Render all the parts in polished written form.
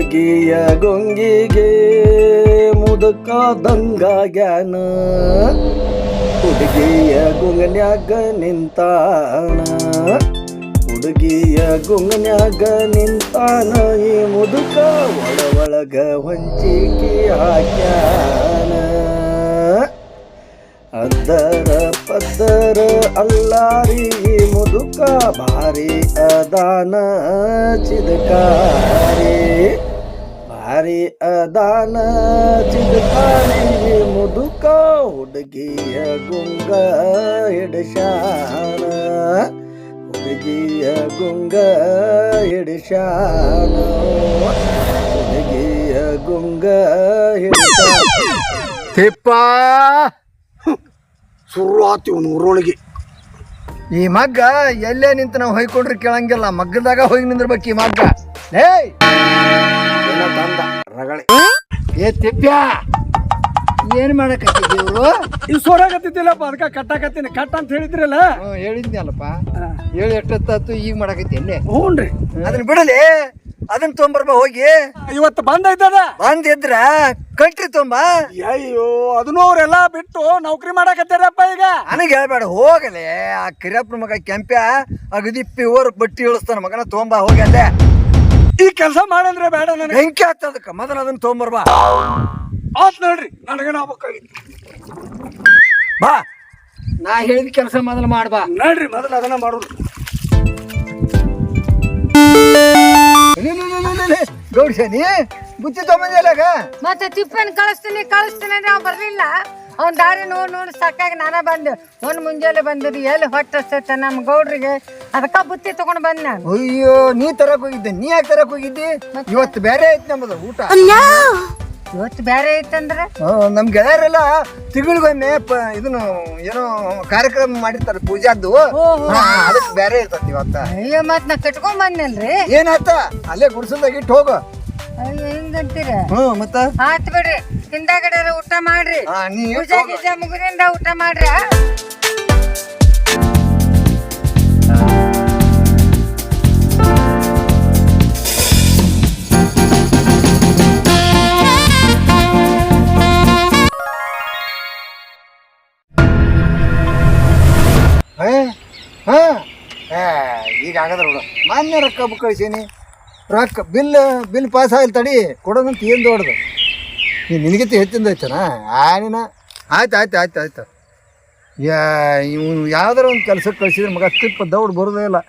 ಹುಡುಗಿಯ ಗೊಂಗಿಗೆ ಮುದುಕಾದಂಗಾಗ್ಯಾನ ಹುಡುಗಿಯ ಗುಂಗನ್ಯಾಗ ನಿಂತಾನ ಹುಡುಗಿಯ ಗುಂಗನ್ಯಾಗ ನಿಂತಾನ ಈ ಮುದುಕ ಒಳಗ ಹೊಂಚಿಕೆ ಹಾಕ್ಯಾನ ಅದ್ದರ ಪದ್ದರ ಅಲ್ಲಾರಿ ಮುದುಕ ಭಾರಿ ಅದಾನ ಚಿದಕಾರಿ ಭಾರಿ ಅದಾನ ಚಿದಕಾರಿ ಮುದುಕ ಹುಡುಗಿಯ ಗುಂಗ ಹಿಡಶಾನ ಹುಡುಗಿಯ ಗುಂಗ ಹಿಡಶಾನ ಹುಡುಗಿಯ ಗುಂಗ ಹಿಡಶಾನ ತಿಪ್ಪ ಶುರುವಾತಿ ಒಂದು ಊರೊಳಗೆ ಈ ಮಗ್ಗ ಎಲ್ಲೇ ನಿಂತು ನಾವು ಹೊಯ್ಕೊಂಡ್ರೆ ಕೇಳಂಗಿಲ್ಲ ಮಗ್ಗದಾಗ ಹೋಗಿ ನಿಂದಿರ್ಬೇಕು ಈ ಮಗ್ಗ ಏಯ್ ಏನ ತಂದ ರಗಳೆ ಏ ತಿಪ್ಪ್ಯ ಏನ್ ಮಾಡಕತ್ತಿದ್ದಿ ಇವ್ರು ಈ ಸೋರಾಗತ್ತಿದ್ದಿಲ್ಲಪ್ಪ ಅದಕ್ಕೆ ಕಟ್ಟಾಕತ್ತೀನಿ ಕಟ್ಟ ಅಂತ ಹೇಳಿದ್ರಲ್ಲ ಹೇಳಿದ್ನಲ್ಲಪ್ಪ ಹೇಳಿ ಎಷ್ಟೊತ್ತಾತು ಈಗ ಮಾಡಕತ್ತಿ ಎಲ್ಲೇ ಹ್ಞೂನ್ರಿ ಅದನ್ನ ಬಿಡಲಿ ಅದನ್ನ ತೊಂಬರ್ಬ ಹೋಗಿ ಇವತ್ತು ಬಂದೈತದ ಬಂದಿದ್ರ ಕಂಟ್ರಿ ತೊಂಬ ಅಯ್ಯೋ ಅದನ್ನು ಅವರೆಲ್ಲ ಬಿಟ್ಟು ನೌಕರಿ ಮಾಡಕತ್ತಾರಪ್ಪ ಈಗ ನನಗೆ ಹೇಳ್ಬೇಡ ಹೋಗಲೆ ಆ ಕಿರಪ್ಪನ ಮಗ ಕೆಂಪ್ಯ ಅಗದಿಪ್ಪಿ ಓರ್ ಬಟ್ಟಿ ಇಳಿಸ್ತಾನ ಮಗನ ತೊಂಬ ಹೋಗಿ ಅಲ್ಲೇ ಈ ಕೆಲಸ ಮಾಡಂದ್ರೆ ಬೇಡ ನನಗೆ ಬೆಂಕಿ ಹತ್ತದಕ್ಕ ಮೊದಲು ಅದನ್ನ ತೊಂಬರ್ಬಾ ಆತ್ ನೋಡ್ರಿ ನನಗೇನು ಆಗ್ಬೇಕಾಗಿತ್ತು ಬಾ ನಾ ಹೇಳಿದ ಕೆಲಸ ಮೊದಲು ಮಾಡ್ಬಾ ನೋಡ್ರಿ ಮೊದಲು ಅದನ್ನ ಮಾಡೋದು ಗೌಡ್ಸೇನಿ ಬುತ್ತಿ ತೊಗೊಂಬಂದಿಲ್ಲಾಗ ಮತ್ತೆ ತಿಪ್ಪನ್ ಕಳಿಸ್ತೀನಿ ಅಂದ್ರೆ ಅವ್ ಬರ್ಲಿಲ್ಲ ಅವ್ನ ದಾರಿ ನೋಡಿ ಸಾಕಾಗಿ ನಾನ ಬಂದೆ ಒಂದ್ ಮುಂಜಾನೆ ಬಂದಿರಿ ಎಲ್ಲಿ ಹೊಟ್ಟೆ ನಮ್ಮ ಗೌಡ್ರಿಗೆ ಅದಕ್ಕ ಬುತ್ತಿ ತಗೊಂಡ್ ಬಂದ್ ನಾನು ಅಯ್ಯೋ ನೀ ತರಕ್ ಹೋಗಿದ್ದೆ ನೀ ಯಾಕೆ ತರಕ್ ಹೋಗಿದ್ದಿ ಇವತ್ತು ಬೇರೆ ಐತಿ ನಮ್ಮದು ಊಟ ಇವತ್ತು ಬೇರೆ ಐತಂದ್ರ ನಮ್ ಗೆಳೆಯರೆಲ್ಲ ತಿಂಗಳಿಗೊಮ್ಮೆ ಇದನ್ನು ಏನೋ ಕಾರ್ಯಕ್ರಮ ಮಾಡಿರ್ತಾರೆ ಪೂಜಾದ್ದು ಅದಕ್ಕೆ ಬೇರೆ ಇರ್ತತಿ ಇವತ್ತ ಅಯ್ಯೋ ಮತ್ ನಾ ಕಟ್ಕೊಂಡ್ ಬಂದ್ನಲ್ರಿ ಏನಾಯ್ತ ಅಲ್ಲೇ ಗುಡ್ಸಲ್ದಾಗ ಇಟ್ಟು ಹೋಗು ಅಯ್ಯೋ ಹಿಂಗಂತೀರ ಮತ್ತ ಆತ್ ಬಿಡ್ರಿ ಹಿಂದಾಗಡೆ ಊಟ ಮಾಡ್ರಿ ಪೂಜಾ ಗೀಜಾ ಮುಗಿದಿಂದ ಊಟ ಮಾಡ್ರಿ ಈಗ ಆಗದ್ರ ನೋಡು ಮಾನ್ಯ ರೊಕ್ಕ ಬುಕ್ ಕಳಿಸೀನಿ ರೊಕ್ಕ ಬಿಲ್ ಪಾಸ್ ಆಗಿಲ್ಲ ತಡಿ ಕೊಡೋದಂತ ಏನು ದೊಡ್ಡದು ನಿನಗಿಂತ ಹೆಚ್ಚಿಂದ ಐತನ ನೀನ ಆಯ್ತು ಇವನು ಯಾವ್ದಾರ ಒಂದು ಕೆಲ್ಸಕ್ಕೆ ಕಳಿಸಿದ್ರೆ ಮಗ ತಿಪ್ಪ ದೌಡ್ ಬರೋದೇ ಇಲ್ಲ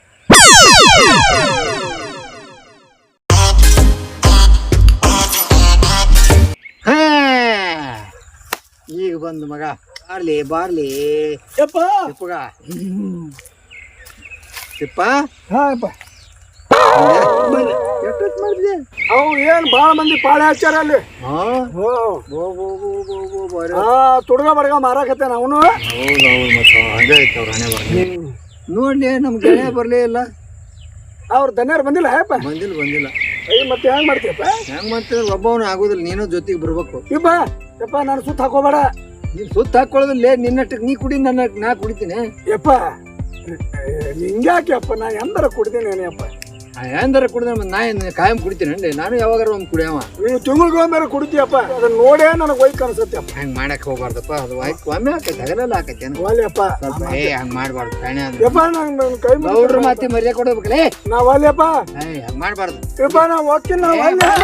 ಈಗ ಬಂದು ಮಗ ಬಾರ್ಲಿ ಯಪ್ಪ ತಿಪ್ಪ ಹಾಪ್ಪ ಎಷ್ಟೊತ್ತು ಮಾಡಿದ್ದೆ ಅವು ಏನ್ ಬಾಳ ಮಂದಿ ಪಾಳೆ ಹಚ್ಚಾರ ಅಲ್ಲಿ ತುಡ್ಗ ಬಡ್ಗ ಮಾರಾಕತ್ತೇನ ಅವನು ನೋಡ್ಲಿ ನಮ್ ಗೆಳೆಯ ಬರ್ಲೇ ಇಲ್ಲ ಅವ್ರ ದನ್ಯಾರ ಬಂದಿಲ್ಲ ಹೇಪ ಬಂದಿಲ್ಲ ಅಯ್ಯ ಮತ್ತೆ ಹೆಂಗ್ ಮಾಡ್ತೀಯಪ್ಪ ಹೆಂಗ್ ಮಾಡ್ತಿದ್ರ ಒಬ್ಬವನು ಆಗುದಿಲ್ಲ ನೀನು ಜೊತೆಗೆ ಬರ್ಬೇಕು ಯಪ್ಪ ನಾನು ಸುತ್ತ ಹಾಕೋಬೇಡ ನೀನ್ ಸುತ್ತ ಹಾಕೊಳ್ಳೋದಿಲ್ಲ ನಿನ್ನಟ್ಟಕ್ಕೆ ನೀ ಕುಡಿ ನಾ ಕುಡಿತೀನಿ ಯಪ್ಪ ಹಿಂಗ್ಯಾಕೆ ಅಪ್ಪ ನಾ ಎಂದರ ಕುಡ್ತೀನಿ ಅಪ್ಪ ಎಂದಾರ ಕುಡಿದ್ರೆ ನಾ ಏನು ಕಾಯಂ ಕುಡಿತೀನಿ ಅಂడి ನಾನು ಯಾವಾಗಾರ ಒಂದು ಕುಡಿಯವ ನೀವು ತಿಂಗಳಿಗೊಮ್ಮೆ ಕುಡಿತೀಯಪ್ಪ ಅದನ್ನ ನೋಡೇ ನನಗೆ ವೈಕ್ ಅನ್ಸತ್ತಪ್ಪ ಹಂಗೆ ಮಾಡಕ್ ಹೋಗ್ಬಾರ್ದಪ್ಪ ಅದು ವೈಕ್ ಒಮ್ಮೆ ಆಕೈತೆ ಹಗಲೆಲ್ಲ ಆಕೈತೆ ವಾಲ್ಯಪ್ಪ ಸ್ವಲ್ಪ ಹಂಗೆ ಮಾಡ್ಬಾರ್ದು ಕಾಣೆ ಯಪ್ಪ ನನ್ನ ಕೈ ಗೌಡ್ರ ಮಾತಿ ಮರ್ಯಾದೆ ಕೊಡ್ಬೇಕಲೇ ನಾ ವಾಲ್ಯಪ್ಪ ಹಂಗೆ ಮಾಡ್ಬಾರ್ದು ಯಪ್ಪ ನಾ ಹೋಗ್ತೀನಿ ನಾ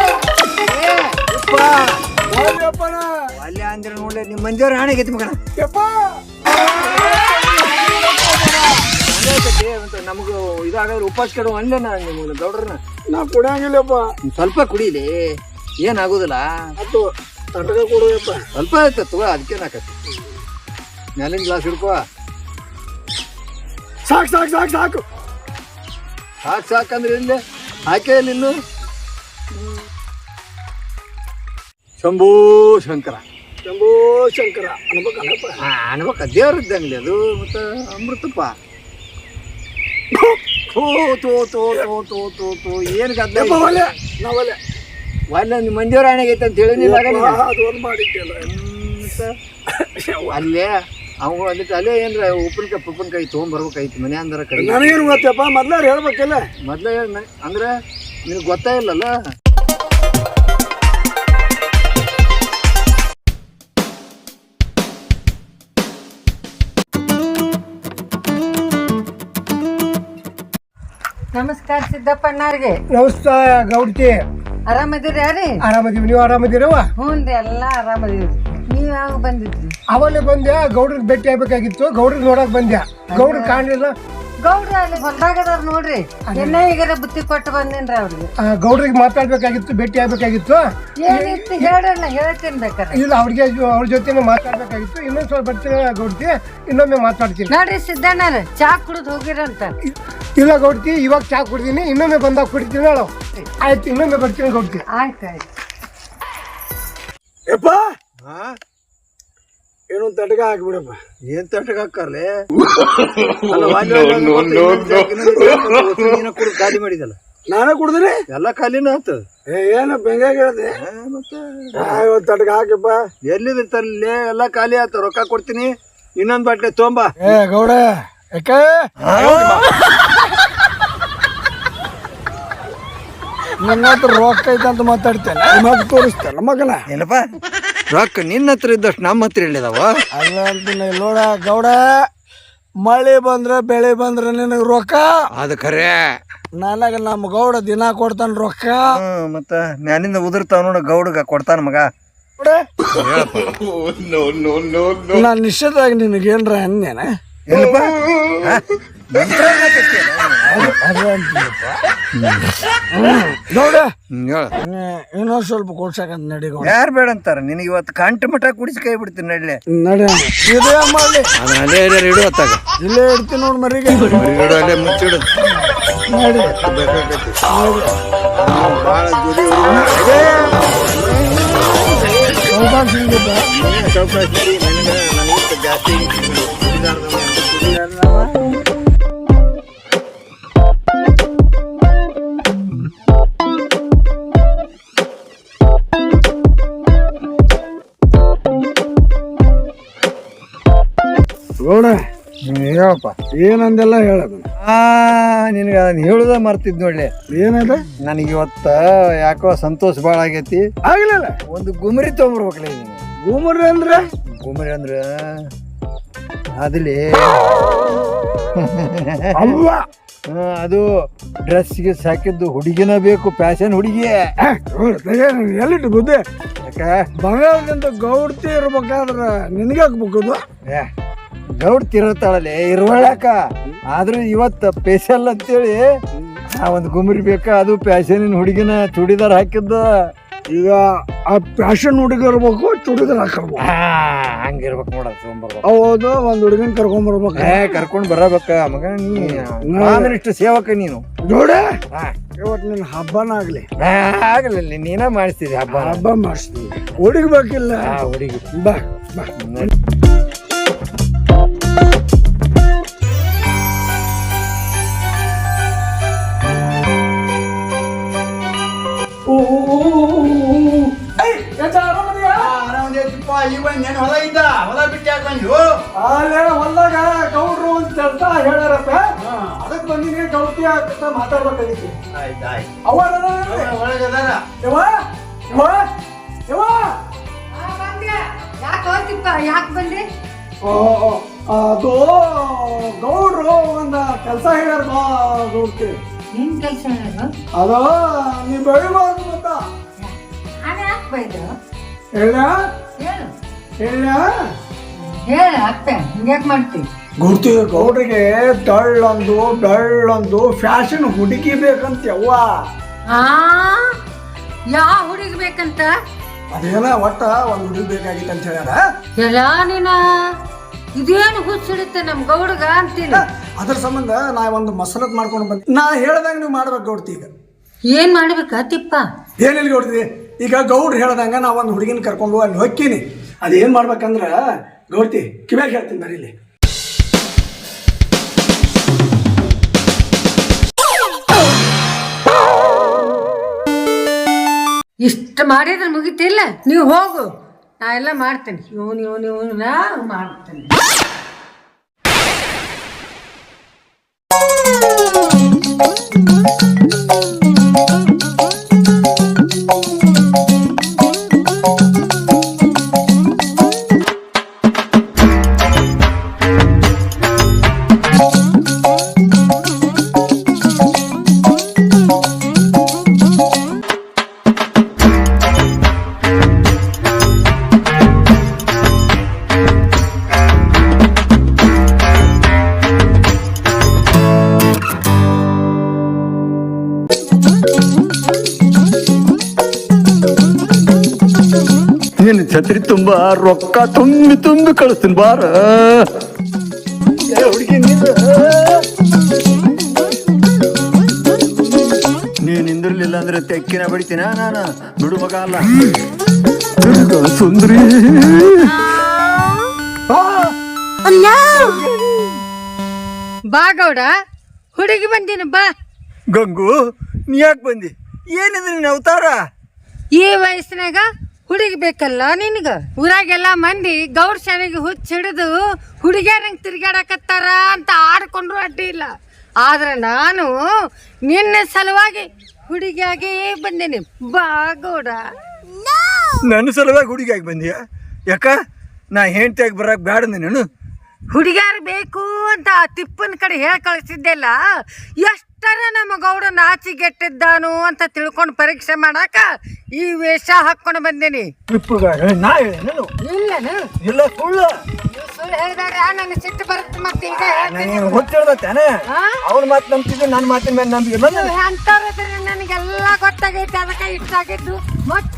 ವಾಲ್ಯಪ್ಪ ವಾಲ್ಯ ಅಂದ್ರೆ ನೋಡ್ಲಿ ನಿಮ್ಮ ಮಂಜವ್ರ ಹಾಣೆಗೈತಿ ಮಗನ ಯಪ್ಪ ನಮಗೂ ಇದಾಗಾದ್ರೆ ಉಪವಾಸ ಕೆಡುವ ಅಲ್ಲೇ ನಿಮ್ಮ ಗೌಡ್ರನ್ನ ನಾ ಕುಡಿಯಂಗಿಲ್ಲಪ್ಪ ಸ್ವಲ್ಪ ಕುಡೀಲಿ ಏನಾಗುದಿಲ್ಲ ಅದು ತಟಕ ಕೊಡುವಪ್ಪ ಸ್ವಲ್ಪ ಆಯ್ತು ತಗೋ ಅದಕ್ಕೇನಾಕತಿ ಮೇಲಿನ ಗ್ಲಾಸ್ ಹಿಡ್ಕೋ ಸಾಕು ಸಾಕಂದ್ರೆ ಇಲ್ಲೇ ಹಾಕೇ ಇನ್ನು ಶಂಭೂ ಶಂಕರ ಅನ್ಬೇಕಲ್ಲಪ್ಪ ಅನ್ಬೇಕ ದೇವ್ರ ಇದ್ದಂಗ್ಲಿ ಅದು ಮತ್ತೆ ಅಮೃತಪ್ಪ ಏನು ಗದ್ದ ಒಳ್ಳೆ ನಿಮ್ಮ ಮಂದಿಯವ್ರ ಹಣೆಗೈತೆ ಅಂತ ಹೇಳಿಲ್ಲ ಅಲ್ಲೇ ಅವು ಅದಕ್ಕೆ ಅಲ್ಲೇ ಏನ್ರ ಉಪ್ಪಿನಕಾಯಿ ತೊಗೊಂಬರ್ಬೇಕಾಯ್ತು ಮನೆ ಅಂದ್ರ ಕಡೆ ನನಗೇನು ಗೊತ್ತಪ್ಪ ಮೊದ್ಲಾರ ಹೇಳ್ಬೇಕಲ್ಲ ಮೊದ್ಲ ಅಂದ್ರೆ ನಿನಗೆ ಗೊತ್ತಾಗಿಲ್ಲಲ್ಲ ನಮಸ್ಕಾರ ಸಿದ್ದಪ್ಪಣ್ಣವ್ರಿಗೆ. ನಮಸ್ಕಾರ ಗೌಡ್ತಿ. ಆರಾಮದಿರಿ ಯಾರಿ? ಆರಾಮದೀವಿ, ನೀವು ಆರಾಮದಿರವ? ಹ್ಞೂ ರೀ, ಎಲ್ಲ ಆರಾಮದಿರಿ. ನೀವು ಯಾವಾಗ ಬಂದಿದ್ರಿ? ಅವಲ್ಲೇ ಬಂದ್ಯಾ, ಗೌಡ್ರಿಗೆ ಭೇಟಿ ಆಗ್ಬೇಕಾಗಿತ್ತು, ಗೌಡ್ರಿಗೆ ನೋಡಕ್ ಬಂದ್ಯಾ. ಗೌಡ್ರು ಕಾಣಲಿಲ್ಲ. ಗೌಡ್ರ ಅಲ್ಲಿ ಹೊಲ್ದಾಗದಾರ ನೋಡ್ರಿ. ಎನ್ನ ಈಗಾರ ಬುತ್ತಿ ಕೊಟ್ಟು ಬಂದೇನ್ರಿ ಅವ್ರಿಗೆ. ಗೌಡ್ರಿಗೆ ಮಾತಾಡ್ಬೇಕಾಗಿತ್ತು, ಭೇಟಿ ಆಗ್ಬೇಕಾಗಿತ್ತು. ಏನಿತ್ತು ಹೇಳ್ರಲ್ಲ, ಹೇಳ್ತೀನಿ ಬೇಕಾರೆ. ಇಲ್ಲ, ಅವ್ರ ಜೊತೆ ಮಾತಾಡ್ಬೇಕಾಗಿತ್ತು. ಇನ್ನೊಂದ್ ಸ್ವಲ್ಪ ಬರ್ತೀನಿ ಗೌಡ್ತಿ, ಇನ್ನೊಮ್ಮೆ ಮಾತಾಡ್ತೀನಿ. ನೋಡ್ರಿ ಸಿದ್ದಣ್ಣರ ಚಾ ಕುಡಿದು ಹೋಗಿರಂತ. ಇಲ್ಲ ಗೌಡ್ತಿ, ಇವಾಗ ಚಾ ಕುಡ್ತೀನಿ, ಇನ್ನೊಮ್ಮೆ ಬಂದಾಗ ಕುಡಿತೀನಿ ಹೇಳು. ಆಯ್ತು, ಇನ್ನೊಮ್ಮೆ ಬರ್ತೀನಿ ಗೌಡ್ತಿ. ಆಯ್ತು ಆಯ್ತು. ಯಪ್ಪ ಏನು ತಟಕ ಹಾಕ್ಬಿಡಪ್ಪ. ಏನ್ ತಟ್ಟಕ್ಕೆ ಹಾಕರ್ಲೆ ಖಾಲಿ ಮಾಡಿದಲ್ಲ. ನಾನೇ ಕುಡ್ದ್ರಿ ಎಲ್ಲ ಖಾಲಿನ ಆತು. ಏನು ಬೆಂಗಾಗ ಹೇಳ್ದೆ ಮತ್ತೆ ಇವತ್ತು ತಟಕ ಹಾಕಪ್ಪ. ಎಲ್ಲಿದ್ರಿ ತರ್ಲಿ, ಎಲ್ಲ ಖಾಲಿ ಆತು. ರೊಕ್ಕ ಕೊಡ್ತೀನಿ, ಇನ್ನೊಂದ್ ಬಾಟ್ಲೆ ತೊಂಬ. ಗೌಡ ಯಾಕೆ ನನ್ನ ಹತ್ರ ರೊಕ್ಕ ಐತೆ ಅಂತ ಮಾತಾಡ್ತೇನೆ, ಮಗ ತೋರಿಸ್ತೇನೆ ಮಗನ. ಏನಪ್ಪ ರೊಕ್ಕ ನಿನ್ನ ಹತ್ರ ಇದ್ದಷ್ಟು ನಮ್ಮ ಹತ್ರ ಇಲ್ಲಿದಾವ? ಅಲ್ಲ ಅಂತೀನಿ ನೋಡ ಗೌಡ, ಮಳೆ ಬಂದ್ರೆ ಬೆಳೆ ಬಂದ್ರೆ ನಿನಗೆ ರೊಕ್ಕ. ಅದು ಖರೆ. ನನಗ ನಮ್ಮ ಗೌಡ ದಿನ ಕೊಡ್ತಾನ ರೊಕ್ಕ. ಮತ್ತ ಮ್ಯಾನಿಂದ ಉದುರ್ತಾವ ನೋಡ, ಗೌಡಗ ಕೊಡ್ತಾನ ಮಗ. ನಾನು ನಿಶ್ಚಿತವಾಗಿ ನಿನಗೇನ್ರ ಅಂದೇನ? ಏನಪ್ಪ ಗೌಡ ಇನ್ನೊಂದ್ ಸ್ವಲ್ಪ ಕೊಡ್ಸಕಂತ ನಡಿ ಗೌಡ. ಯಾರು ಬೇಡ ಅಂತಾರ ನಿನಗೆ? ಇವತ್ತು ಕಂಠ ಮಠ ಕುಡಿಸಿ ಕೈ ಬಿಡ್ತೀನಿ ನಡ್ಲೆ. ನಡಿ ಇದೇ ಮಾಡ್ಲಿ, ಅದನ್ನ ಅಲ್ಲೇ ಎಲ್ಲಾರು ಇಡು ಹೊತ್ತಾಗ. ಇಲ್ಲೇ ಇಡ್ತೀನಿ ನೋಡ್ ಮರಿಗೆ. ಇಡು, ಅಲ್ಲೇ ಮುಚ್ಚಿಡು. ನಡಿ ಭಾಳ ಜೋಡಿ ಜಾಸ್ತಿ ಗೌಡ ಹೇಳಪ್ಪ. ಏನಂದೆಲ್ಲ ಹೇಳೋದು. ನಿನಗೆ ಅದನ್ನ ಹೇಳುದ ಮರ್ತಿದ್ ನೋಡ್ಲಿ. ಏನದ? ನನಗೆ ಇವತ್ತ ಯಾಕೋ ಸಂತೋಷ ಭಾಳ ಆಗೈತಿ. ಆಗ್ಲಿಲ್ಲ, ಒಂದು ಗುಮರಿ ತೊಗೊಂಬರ್ಬೇಕಲ್ಲ ನೀನು. ಗುಮರಿ ಅಂದ್ರೆ? ಗುಮರಿ ಅಂದ್ರ ಅದಲ್ಲಿ ಅಲ್ಲ, ಅದು ಡ್ರೆಸ್ಗೆ ಸಾಕಿದ್ದು ಹುಡುಗಿನ ಬೇಕು, ಫ್ಯಾಷನ್ ಹುಡುಗಿ. ಎಲ್ಲಿಟ್ಟು ಬುದ್ಧಿ? ಯಾಕ ಬಂಗಾರದಿಂದ ಗೌಡ್ತಿ ಇರ್ಬೇಕಾದ್ರ ನಿನಗೆ ಹಾಕ್ಬೇಕು. ಗೌಡ್ ತಿರುತ್ತಾಳಲ್ಲಿ ಇರುವಳಕ. ಆದ್ರೂ ಇವತ್ತು ಸ್ಪೆಷಲ್ ಅಂತೇಳಿ ಒಂದು ಗುಮರಿ ಬೇಕಾ, ಅದು ಫ್ಯಾಷನಿನ ಹುಡುಗಿನ ಚೂಡಿದಾರ ಹಾಕಿದ್ದ. ಈಗ ಆ ಫ್ಯಾಷನ್ ಹುಡುಗ ಇರ್ಬೇಕು, ಚೂಡಿದಾರ ಹಾಕಬೇಕು. ಹಂಗಿರ್ಬೇಕು ನೋಡೋದು. ತೊಗೊಂಬರ್ಬೇಕು. ಹೌದು, ಒಂದ್ ಹುಡುಗನ್ ಕರ್ಕೊಂಡ್ಬರ್ಬೇಕು. ಕರ್ಕೊಂಡ್ ಬರಬೇಕ ಮಗ. ಇಷ್ಟು ಸೇವಕ ನೀನು. ನೋಡ ಇವತ್ತು ನಿನ್ನ ಹಬ್ಬನ ಆಗ್ಲಿ. ಆಗಲಿಲ್ಲ, ನೀನ ಮಾಡಿಸ್ತಿದ್ದಿ ಹಬ್ಬ. ಹಬ್ಬ ಮಾಡಿಸ್ತೀವಿ, ಹುಡುಗಬೇಕಿಲ್ಲ. ಹುಡುಗಿ ಬಾ ಬಾ. ಹೊಲ್ದಾಗ ಗೌಡ್ರು ಅಂತ ಹೇಳ್ತಾ ಹೇಳ್ಯಾರಪ್ಪ, ಅದಕ್ಕೆ ಬಂದಿನಿ. ಗೌಡ್ತಿ ಅಂತ ಮಾತಾಡ್ಬೇಕಾಗಿತ್ತು. ಯಾಕೆ ಬಂದ್ರಿ? ಅದು ಗೌಡ್ರು ಒಂದ ಕೆಲಸ ಹೇಳ್ಯಾರ. ಗೌಡ್ತಿ ಏನ್ ಕೆಲಸ ಹೇಳೋದು? ಅದು ನೀ ಬೆಳಿಬಾರ್ದು ಮತ್ತ ನಾನು ಯಾಕೆ ಬೈದ್ರು? ಹೇಳ ಹೇಳು ಹೇಳ ಹೇಳ ಅತ್ತೆ, ಹಿಂಗ್ಯಾಕೆ ಮಾಡ್ತೀವಿ? ಗೌಡ್ತಿ ಗೌಡ್ರಿಗೆ ಡಳ್ಳೊಂದು ಫ್ಯಾಷನ್ ಹುಡುಗಿ ಬೇಕಂತ. ಯವ್ವ ಯಾವ ಹುಡುಗಿ ಬೇಕಂತ? ಅದೇನ ಒಟ್ಟ ಒಂದ್ ಹುಡುಗಿ ಬೇಕಾಗಿತ್ತು ಅಂತ ಹೇಳ್ಯಾರ. ಎಲ್ಲ ನೀನ ಇದೇನು ಹುಚ್ಚಿಡುತ್ತೆ ನಮ್ ಗೌಡಗ ಅಂತೀನಿ. ಅದ್ರ ಸಂಬಂಧ ನಾ ಒಂದು ಮಸರತ್ ಮಾಡ್ಕೊಂಡು ಬಂದೆ. ನಾ ಹೇಳ್ದಂಗ ನೀವು ಮಾಡ್ಬೇಕು ಗೌಡ್ತಿ. ಈಗ ಏನ್ ಮಾಡ್ಬೇಕಾ ತಿಪ್ಪ? ಏನಿಲ್ಲ ಗೌಡ್ತಿ, ಈಗ ಗೌಡ್ರು ಹೇಳ್ದಂಗ ನಾ ಒಂದು ಹುಡುಗಿನ ಕರ್ಕೊಂಡು ಅಲ್ಲಿ ಹೊಕ್ಕೀನಿ. ಅದೇನ್ ಮಾಡ್ಬೇಕಂದ್ರ ಗೌಡ್ತಿ ಕಿವ್ಯಾಗ ಹೇಳ್ತೀನಿ ಬರೀಲಿ. ಇಷ್ಟ ಮಾಡಿದ್ರೆ ಮುಗಿತಿಲ್ಲ, ನೀವು ಹೋಗು, ನಾ ಎಲ್ಲ ಮಾಡ್ತೇನೆ. ನಾ ಮಾಡ್ತೇನೆ. ಛತ್ರಿ ತುಂಬಾ ರೊಕ್ಕ ತುಂಬಿ ತುಂಬಿ ಕಳಿಸ್ತೀನಿ ಬಾರ. ಹುಡುಗಿ ನೀನ್ ನಿಂದಿರ್ಲಿಲ್ಲ ಅಂದ್ರೆ ತೆಕ್ಕಿನ ಬಡಿತೀನ ನಾನು. ಬಿಡು ಮಗ ಅಲ್ಲ ಸುಂದ್ರಿ. ಬಾ ಗೌಡ, ಹುಡುಗಿ ಬಂದೀನಿ ಬಾ. ಗಂಗು ನೀ ಯಾಕೆ ಬಂದಿ? ಏನಿದೆ ನಿನ್ನ ಅವತಾರ? ಈ ವಯಸ್ಸಿನಾಗ ಹುಡುಗಿ ಬೇಕಲ್ಲ ನಿನಗ. ಊರಾಗೆಲ್ಲ ಮಂದಿ ಗೌಡ್ ಶಾಲೆಗೆ ಹುಚ್ಚಿಡಿದು ಹುಡುಗಿಯರಂಗೆ ತಿರ್ಗಾಡಕತ್ತಾರ ಅಂತ ಆಡ್ಕೊಂಡ್ರು ಅಡ್ಡಿ ಇಲ್ಲ. ಆದ್ರೆ ನಾನು ನಿನ್ನ ಸಲುವಾಗಿ ಹುಡುಗಿಯಾಗೇ ಬಂದೇನಿ ಬಾ ಗೌಡ. ನನ್ನ ಸಲುವಾಗಿ ಹುಡುಗಿಯಾಗಿ ಬಂದಿಯಾ? ಯಾಕ ನಾ ಹೆಂಡತಿಯಾಗಿ ಬರಕ್ ಬ್ಯಾಡ ನೀನು? ಹುಡುಗಿಯಾರು ಬೇಕು ಅಂತ ಆ ತಿಪ್ಪನ ಕಡೆ ಹೇಳಿ ಕಳಿಸಿದ್ದೆಲ್ಲ. ಎಷ್ಟರ ನಮ್ಮ ಗೌಡ ನಾಚಿಗೆಟ್ಟಿದ್ದಾನು ಅಂತ ತಿಳ್ಕೊಂಡು ಪರೀಕ್ಷೆ ಮಾಡಾಕ ಈ ವೇಷ ಹಾಕೊಂಡು ಬಂದೇನಿ. ನಾ ಹೇಳೇನು? ಇಲ್ಲನು ಇಲ್ಲ ಸುಳ್ಳು. ಸುಳ್ಳು ಹೇಳಿದಾಗ ನನ್ನ ಸಿಟ್ಟು ಬರುತ್ತೆ. ಮತ್ತೆ ಈಗ ನೀನು ಹುಚ್ಚಿಡ್ದಾನೆ. ಅವ್ನ ಮಾತು ನಂಬ್ತಿದ್ದು ನನ್ನ ಮಾತಿನ ಮೇಲೆ ನಂಬಿಕೆ. ಅಂತವ್ರದ್ರೆ ನನಗೆಲ್ಲ ಗೊತ್ತಾಗೈತೆ. ಅದಕ್ಕೆ ಇಷ್ಟ ಆಗಿದ್ದು ಮತ್ತೆ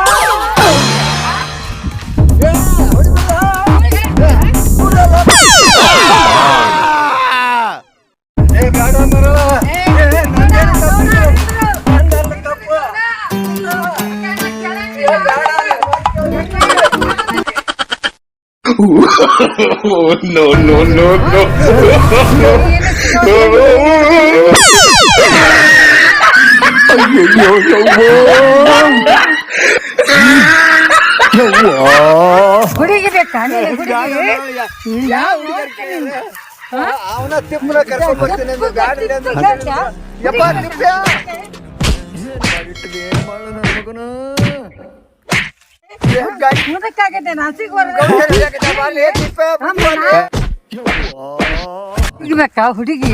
No, no, no, no. ಹುಡುಗಿ ಬೇಕಾ? ಅವನ ತಿಮ್ಮನ ಕರ್ಕೊಂಡ್ ಬರ್ತೀನಿ ಅಂದ್ರೆ ಬ್ಯಾಡ್ರಿ ಅಂದ್ರೆ ಯಪ್ಪ ತಿಪ್ಪ. ಮುದಕ್ಕಾಗೈತೆ ನಾಸಿಗೆ ಬೇಕಾ ಹುಡುಗಿ?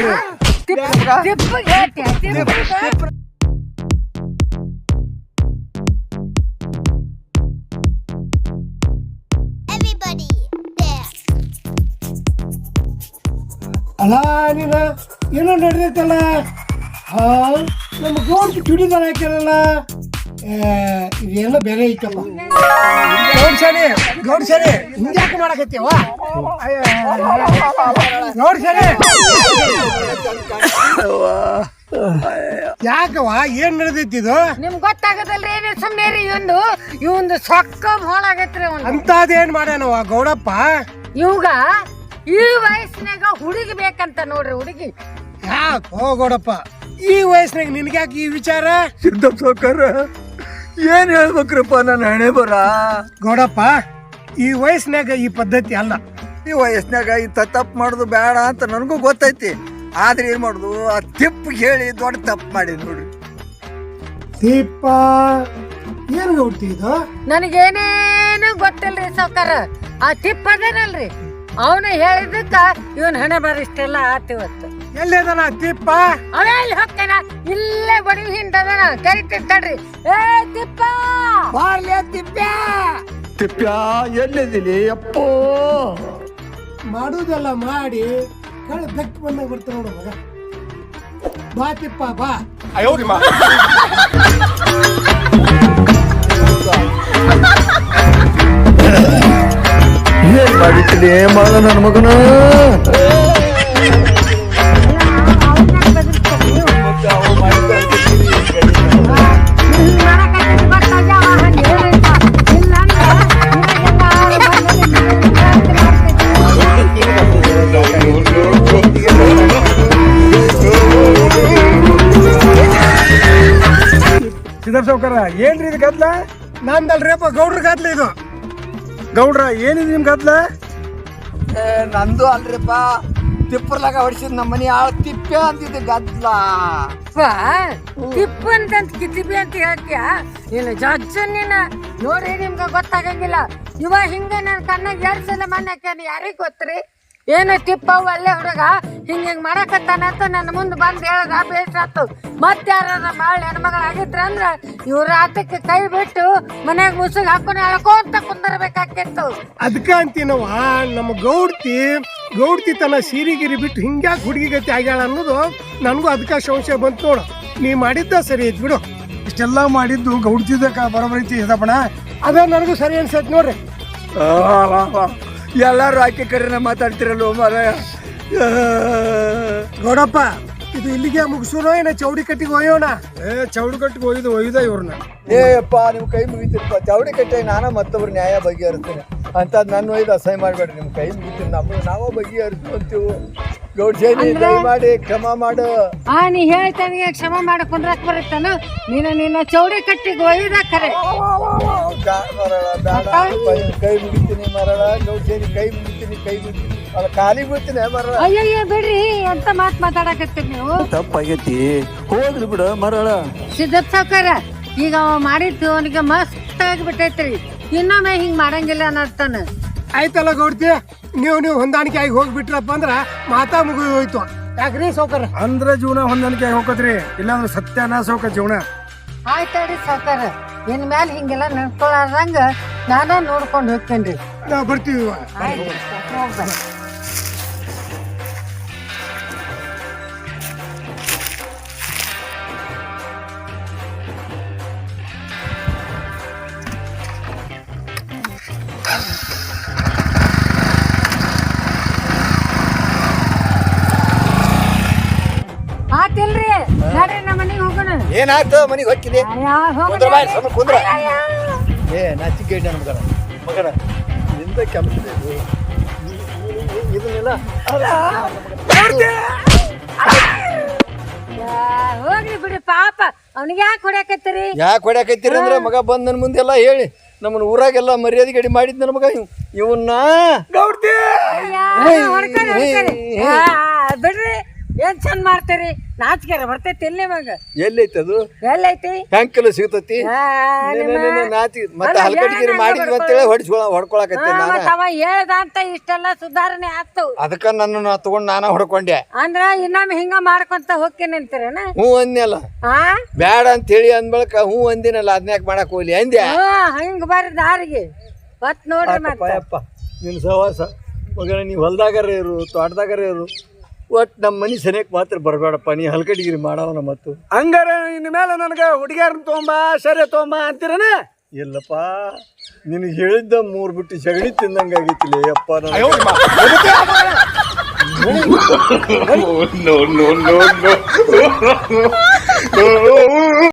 ಅಲ್ಲ ನೀನು ಏನೋ ನಡೆದೈತಲ್ಲ. ನಮ್ಮ ಗೌಡ್ ಚುಡಿದಾರ ಹಾಕ್ಯಾರಲ್ಲ, ಇದೇನೋ ಬೇರೆ ಐತಲ್ಲ. ಗೌಡ್ಸರಿ ಹಿಂಗ್ಯಾಕೆ ಮಾಡಕತ್ತೀವ? ಗೌಡ್ಸರಿ ಯಾಕವ? ಏನ್ ನಡೆದೈತಿ ಇದು? ನಿಮ್ಗೆ ಗೊತ್ತಾಗದಲ್ರಿ. ಏನೇ ಸುಮ್ಮನೆ ರೀ. ಇವಂದು ಸೊಕ್ಕ ಹೋಳಾಗೈತ್ರಿ. ಅಂತದೇನ್ ಮಾಡ್ಯಾನವ ಗೌಡಪ್ಪ? ಇವಾಗ ಈ ವಯಸ್ಸಿನಾಗ ಹುಡುಗಿ ಬೇಕಂತ ನೋಡ್ರಿ. ಹುಡುಗಿ ಯಾಕೋ ಗೌಡಪ್ಪ ಈ ವಯಸ್ಸಿನಾಗ ನಿನ್ಗ್ಯಾಕೆ ಈ ವಿಚಾರ? ಸಿದ್ದಪ್ಪ ಸಾವ್ಕಾರ ಏನ್ ಹೇಳ್ಬೇಕ್ರಪ್ಪ ನನ್ನ ಹಣೆ ಬರ? ಗೌಡಪ್ಪ ಈ ವಯಸ್ಸಿನಾಗ ಈ ಪದ್ಧತಿ ಅಲ್ಲ. ಈ ವಯಸ್ಸಿನಾಗ ಇಂಥ ತಪ್ಪು ಮಾಡೋದು ಬೇಡ ಅಂತ ನನಗೂ ಗೊತ್ತೈತಿ. ಆದ್ರೆ ಏನ್ ಮಾಡುದು, ಆ ತಿಪ್ಪು ಹೇಳಿ ದೊಡ್ಡ ತಪ್ಪು ಮಾಡಿ ನೋಡ್ರಿ. ದೀಪ ಏನ್ ಗೌಡ್ತಿ ಇದು? ನನಗೇನೇನು ಗೊತ್ತಿಲ್ರಿ ಸಾವ್ಕಾರ. ಆ ಟಿಪ್ ಅದೇನಲ್ರಿ, ಅವನು ಹೇಳಿದಕ್ಕ ಇವನ್ ಹಣೆ ಬಾರ ಇಷ್ಟೆಲ್ಲ ಆತಿವತ್ತು. ಎಲ್ಲೇದನ ತಿಪ್ಪ? ಅವೇ ಇಲ್ಲಿ ಹೋಗ್ತೇನ, ಇಲ್ಲೇ ಬಡಿ ಹಿಂದದನ ಕರಿತಿರ್ತಾಡ್ರಿ. ಏ ತಿಪ್ಪ ಬಾರ್ಲೆ ತಿಪ್ಪ. ತಿಪ್ಪ್ಯಾ ಎಲ್ಲಿದ್ದೀನಿ ಅಪ್ಪೋ? ಮಾಡುದೆಲ್ಲ ಮಾಡಿ ಕಳ್ಳ ಬೆಕ್ಕು ಬಂದಾಗ ಬರ್ತಾರ ನೋಡು ಮಗ. ಬಾ ತಿಪ್ಪ ಬಾ. ಏನ್ ಮಾಡಿಟ್ಟಿದೆ ಮಾಡ ನನ್ನ ಮಗನ? ಸಿದ್ದಪ್ಪ ಸಾವ್ಕಾರ ಏನ್ರಿ ಇದು ಗದ್ಲ? ನಂದಲ್ರಿಪ್ಪ ಗೌಡ್ರ ಗದ್ಲ ಇದು. ಗೌಡ್ರ ಏನಿದೆ ನಿಮ್ ಗದ್ಲ? ನಂದು ಅಲ್ರಿಪ್ಪ, ತಿಪ್ಪರ್ಲಾಗ ಹೊಡಿಸಿದ್ ನಮ್ಮ ಮನೆ ಆಳ ತಿಪ್ಪೆ ಅಂತಿದ್ದೆ ಗದ್ಲ. ತಿಪ್ಪು ಅಂತ ಕಿತಿಬಿ ಅಂತ ಹೇಳ್ತೀಯ ನೀನು? ಜಜ್ಜ ನೀನು ನೋಡಿ ನಿಮ್ಗೆ ಗೊತ್ತಾಗಂಗಿಲ್ಲ. ಇವ ಹಿಂಗ ನನ್ನ ಕಣ್ಣಾಗ 2 ಸಲ ಮಣ್ಣಾಕ್ಯಾನ. ಯಾರಿಗ್ ಗೊತ್ತ್ರಿ? ಏನು ಟಿಪ್ಪವು ಅಲ್ಲೇ ಹುಡುಗ ಹಿಂಗೆ ಮಾಡಕತ್ತಾನ ಅಂತ ನನ್ನ ಮುಂದೆ ಬಂದು ಹೇಳ್ದ. ಬೇಸಾತು. ಮತ್ತೆ ಯಾರ ಬಾಳ ಹೆಣ್ಮಗಳಾಗಿದ್ರ ಅಂದ್ರೆ ಇವ್ರ ಆತಕ್ಕೆ ಕೈ ಬಿಟ್ಟು ಮನ್ಯಾಗ ಮುಸುಗ್ ಹಾಕೊಂಡು ಎಳ್ಕೊಂತ ಕುಂದರ್ಬೇಕಾಗಿತ್ತು. ಅದಕ್ಕ ಅಂತೀನವ ನಮ್ಮ ಗೌಡ್ತಿ ತನ್ನ ಸೀರಿಗಿರಿ ಬಿಟ್ಟು ಹಿಂಗ್ಯಾಕೆ ಹುಡುಗಿ ಗತಿ ಆಗ್ಯಾಳ ಅನ್ನೋದು ನನಗೂ ಅದಕ್ಕ ಸಂಶಯ ಬಂತು ನೋಡು. ನೀ ಮಾಡಿದ್ದ ಸರಿ ಐತ್ ಬಿಡು. ಇಷ್ಟೆಲ್ಲ ಮಾಡಿದ್ದು ಗೌಡ್ತಿದ್ದಕ್ಕ ಬರೋಬರೈತಿ ಸಿದ್ದಪ್ಪಣ. ಅದೇ ನನಗೂ ಸರಿ ಅನ್ಸೈತೆ ನೋಡ್ರಿ. ಎಲ್ಲರೂ ಆಕೆ ಕರೆನ ಮಾತಾಡ್ತಿರಲ್ವ ಮಾರಾಯ. ಗೌಡಪ್ಪ ಇದು ಇಲ್ಲಿಗೆ ಮುಗಿಸೋಣ ಏನ ಚೌಡಿ ಕಟ್ಟಿಗೆ ಒಯ್ಯೋಣ? ಚೌಡು ಕಟ್ಟಿಗೆ ಒಯ್ದ ಇವ್ರನ್ನ. ಏಪ್ಪ ನೀವು ಕೈ ಮುಗಿತೀರಪ್ಪ, ಚೌಡಿ ಕಟ್ಟೆ ನಾನು ಮತ್ತೊಬ್ರು ನ್ಯಾಯ ಬಗೆಹರಿಸ್ತೀನಿ ಅಂಥದ್ದು ನನ್ನ ಒಯ್ದು ಅಸಹ್ಯ ಮಾಡಬೇಡ್ರಿ. ನಿಮ್ಮ ಕೈ ಮುಗಿತೀನಿ, ನಾವೇ ಬಗೆಹರಿಸ್ತು ಅಂತೀವಿ. ಗೌಡ್ಸೇನಿ ದಯಮಾಡಿ ಕ್ಷಮ ಮಾಡು. ನೀ ಹೇಳ್ತಾನಿಗೆ ಕ್ಷಮ ಮಾಡಕೊಂಡ್ರಕ್ ಬರುತ್ತಾನ. ನಿನ್ನ ಚೌಡಿ ಕಟ್ಟಿಗೆ ಒಯ್ದ ಖರೆ. ಬೇಡ ಕೈ ಮುಗಿತೀನಿ ಮರಳ. ಗೌಡ್ಸೇನಿ ಕೈ ಮುಗಿತೀನಿ ಅಲ್ಲ ಕಾಲಿಗೆ ಬೀಳ್ತೀನಿ ಮರಳ. ಅಯ್ಯಯ್ಯ ಬಿಡ್ರಿ, ಎಂತ ಮಾತಾಡಕತ್ತೀರಿ ನೀವು? ತಪ್ಪಾಗೈತಿ, ಹೋಗ್ಲಿ ಬಿಡ ಮರಳ. ಸಿದ್ದಪ್ಪ ಸಾವ್ಕಾರ, ಈಗ ಅವ ಮಾಡಿದ್ದು ಅವನಿಗೆ ಮಸ್ತ್ ಆಗಿಬಿಟ್ಟೈತ್ರಿ. ಇನ್ನೊಮ್ಮೆ ಹಿಂಗ್ ಮಾಡಂಗಿಲ್ಲ ಅನ್ನತ್ತಾನ. ಆಯ್ತಲ್ಲ ಗೌಡ್ತಿ, ನೀವು ಹೊಂದಾಣಿಕೆ ಆಗಿ ಹೋಗ್ಬಿಟ್ರಪ್ಪ ಅಂದ್ರ ಮಾತಾ ಮುಗಿದು ಹೋಯ್ತು. ಯಾಕ್ರಿ ಸಾವ್ಕಾರ? ಅಂದ್ರೆ ಜೀವನ ಹೊಂದಾಣಿಕೆ ಹೋಗತ್ರಿ, ಇಲ್ಲಾಂದ್ರೆ ಸತ್ಯನಾಶ ಹೋಗ ಜೀವನ. ಆಯ್ತಾಡ್ರಿ ಸಾವ್ಕಾರ, ಇನ್ ಮ್ಯಾಲ ಹಿಂಗೆಲ್ಲ ನಡ್ಕೊಳಾರ್ದಂಗ ನಾನ ನೋಡ್ಕೊಂಡು ಹೋಗ್ತೇನ್ರಿ. ನಾವು ಬರ್ತೀವಿ. ಆಯ್ತು, ಹೋಗ್ಬರ್ರಿ. ಆತಿಲ್ರಿ, ನಡ್ರಿ ನಮ್ಮ ಮನೆಗೆ ಹೋಗೋಣ. ಏನಾಯ್ತು ಮನೆಗೆ ಹೊಕ್ಕಿದೆ? ಕುಂದ್ರ ಬಾಯ್, ಸಮ ಕುಂದ್ರ. ಏ ನಾಚಿಕೆ ನನ್ನ ಮಗನ ನಿಂದ ಕೆಲಸ ಇದನ್ನೆಲ್ಲ ಹೋಗ್ರಿ ಬಿಡಿ ಪಾಪ, ಅವನಿಗೆ ಯಾಕೆ ಹೊಡ್ಯಾಕತ್ತೀರಿ? ಯಾಕೆ ಹೊಡ್ಯಾಕೈತಿರಿ ಅಂದ್ರೆ ಮಗ ಬಂದ್ ನನ್ನ ಮುಂದೆ ಎಲ್ಲ ಹೇಳಿ ನಮ್ಮನ್ನ ಊರಾಗೆಲ್ಲ ಮರ್ಯಾದೆ ಗಡಿ ಮಾಡಿದ್ ನನ್ನ ಮಗ ಇವನ್ನ ಬಿಡ್ರಿ, ಏನ್ ಚಂದ ಮಾಡ್ತೀರಿ? ನಾಚಿಕೆರ ಬರ್ತೈತಿ ಇಲ್ಲಿ ಮಗ. ಎಲ್ಲೈತಿ ಅದು? ಎಲ್ಲೈತಿ? ಹೆಂಗೆಲ್ಲ ಸಿಗ್ತತಿ? ನಾಚಿ ಮತ್ತೆ ಹಲ್ಕಟ್ಟಿಗಿರಿ ಮಾಡಿದ್ವಿ ಅಂತೇಳಿ ಹೊಡ್ಕೊಳಕತ್ತೆ ನಾನು. ಅವ ಹೇಳ್ದ ಅಂತ ಇಷ್ಟೆಲ್ಲ ಸುಧಾರಣೆ ಆಗ್ತವು. ಅದಕ್ಕ ನನ್ನ ತಗೊಂಡ್ ನಾನ ಹೊಡ್ಕೊಂಡೆ. ಅಂದ್ರ ಇನ್ನೊಮ್ಮೆ ಹಿಂಗ ಮಾಡ್ಕೊಂತ ಹೋಗ್ತೇನೆ ಅಂತೀರೇನ? ಹ್ಞೂ ಅಂದ್ನಲ್ಲ, ಬ್ಯಾಡ ಅಂತೇಳಿ ಅಂದ್ಬಳಕ ಹ್ಞೂ ಅಂದಿನಲ್ಲ, ಅದನ್ಯಾಕ ಮಾಡಕ್ ಹೋಗ್ಲಿ ಅಂದ್ಯಾ? ಹಿಂಗ ಬರ್ರಿ ದಾರಿಗೆ ಮತ್ ನೋಡ್ರಿ. ಅಪ್ಪ ನಿನ್ನ ಸಹವಾಸ ಮಗನ, ನೀವು ಹೊಲ್ದಾಗರ ಇರು, ತೋಟದಾಗರ ಇರು, ಒಟ್ಟು ನಮ್ಮ ಮನೆ ಸನಿಯಕ್ಕೆ ಮಾತ್ರ ಬರಬೇಡಪ್ಪ. ನೀ ಹಲ್ಕಟ್ಟಿಗಿರಿ ಮಾಡವನ ಮತ್ತು ಹಂಗಾರ ಇನ್ನು ಮೇಲೆ ನನಗೆ ಹುಡುಗಿಯರ್ನ ತೊಗೊಂಬ, ಸರಿ ತೊಗೊಂಬ ಅಂತೀರನ? ಇಲ್ಲಪ್ಪ, ನಿನಗೆ ಹೇಳಿದ್ದ 3 ಬಿಟ್ಟು ಸಗಣಿ ತಿಂದಂಗಾಗಿತ್ತಿಲ್ಲ ಅಪ್ಪ. No, no, no, no, no.